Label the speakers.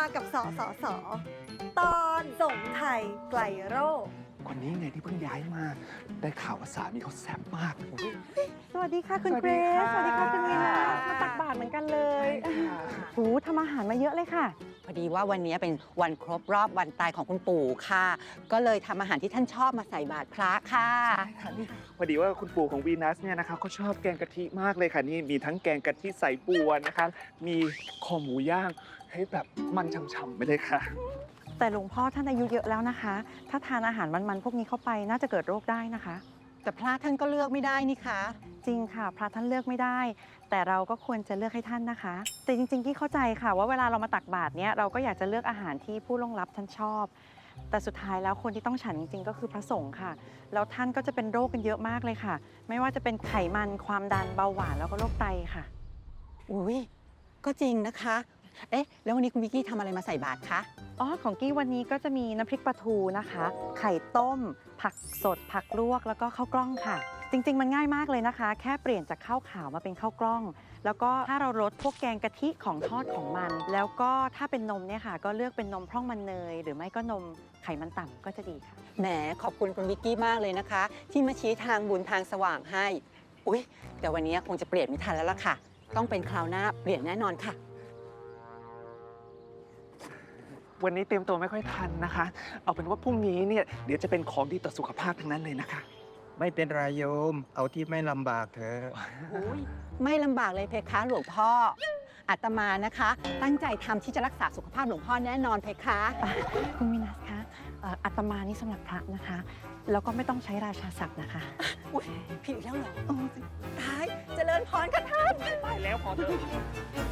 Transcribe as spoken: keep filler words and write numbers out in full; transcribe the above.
Speaker 1: กับสสส ตอนส่งไทยไกลโรค
Speaker 2: คนนี้ไงที่เพิ่งย้ายมา ได้ข่าวว่าสามีเขาแซ่บมากโอ้ย
Speaker 3: สวัสดีค่ะคุณ
Speaker 2: สวัส
Speaker 3: เกร
Speaker 2: ดี
Speaker 3: ซ
Speaker 2: ค่ะ
Speaker 3: สวัสดีค่ะคุณนีนามาตักบาตรเหมือนกันเลยโอ้ทำอาหารมาเยอะเลยค่ะ
Speaker 4: พอดีว่าวันนี้เป็นวันครบรอบวันตายของคุณปู่ค่ะ ก็เลยทำอาหารที่ท่านชอบมาใส่บาตรพระค่ะ
Speaker 2: ใช่ค่ะนี่พอดีว่าคุณปู่ของวีนัสเนี่ยนะคะเขาชอบแกงกะทิมากเลยค่ะนี่มีทั้งแกงกะทิใส่บัวนะคะ มีคอหมูย่างให้แบบมันฉ่ำๆไปเลยค่ะ
Speaker 3: แต่หลวงพ่อท่านอายุเยอะแล้วนะคะ ถ้าทานอาหารมันๆพวกนี้เข้าไปน่าจะเกิดโรคได้นะคะ
Speaker 4: แต่พระท่านก็เลือกไม่ได้นี่คะ
Speaker 3: จริงค่ะ พระท่านเลือกไม่ได้ แต่เราก็ควรจะเลือกให้ท่านนะคะ แต่จริงๆที่เข้าใจค่ะว่าเวลาเรามาตักบาตรเนี้ยเราก็อยากจะเลือกอาหารที่ผู้ล่วงลับท่านชอบ แต่สุดท้ายแล้วคนที่ต้องฉันจริงๆก็คือพระสงฆ์ค่ะ แล้วท่านก็จะเป็นโรคกันเยอะมากเลยค่ะ ไม่ว่าจะเป็นไขมันความดันเบาหวานแล้วก็โรคไตค่ะ
Speaker 4: อุ้ยก็จริงนะคะ เอ๊ะ แล้ววันนี้คุณวิกกี้ทำอะไรมาใส่บาตรคะ
Speaker 3: อ๋อของกี้วันนี้ก็จะมีน้ำพริกปลาทูนะคะ ไข่ต้ม ผักสด ผักลวกแล้วก็ข้าวกล้องค่ะ จริงๆมันง่ายมากเลยนะคะ แค่เปลี่ยนจากข้าวขาวมาเป็นข้าวกล้อง แล้วก็ถ้าเราลดพวกแกงกะทิของทอดของมัน แล้วก็ถ้าเป็นนมเนี่ยค่ะ ก็เลือกเป็นนมพร่องมันเนย หรือไม่ก็นมไขมันต่ำก็จะดีค่ะ
Speaker 4: แหมขอบคุณคุณวิกกี้มากเลยนะคะ ที่มาชี้ทางบุญทางสว่างให้ อุ้ยแต่วันนี้คงจะเปลี่ยนไม่ทันแล้วล่ะค่ะ ต้องเป็นคราวหน้าเปลี่ยนแน่นอนค่ะ
Speaker 2: วันนี้เตรียมตัวไม่ค่อยทันนะคะ เอาเป็นว่าพรุ่งนี้เนี่ยเดี๋ยวจะเป็นของดีต่อสุขภาพทั้งนั้นเลยนะคะ
Speaker 5: ไม่เป็นไรโยม เอาที่ไม่ลำบากเถอะ
Speaker 4: อุ๊ยไม่ลำบากเลยเพคะหลวงพ่ออาตมานะคะ ตั้งใจทำที่จะรักษาสุขภาพหลวงพ่อแน่นอนเพคะ
Speaker 3: คุณมินัสคะเอ่ออาตมานี่สำหรับพระนะคะ แล้วก็ไม่ต้องใช้ราชาศัพท์นะคะ
Speaker 4: อุ๊ยผิดอีกแล้วเหรอโอ้ตายเจริญพรค่ะท่าน
Speaker 2: ไปแล้วพอเถอะ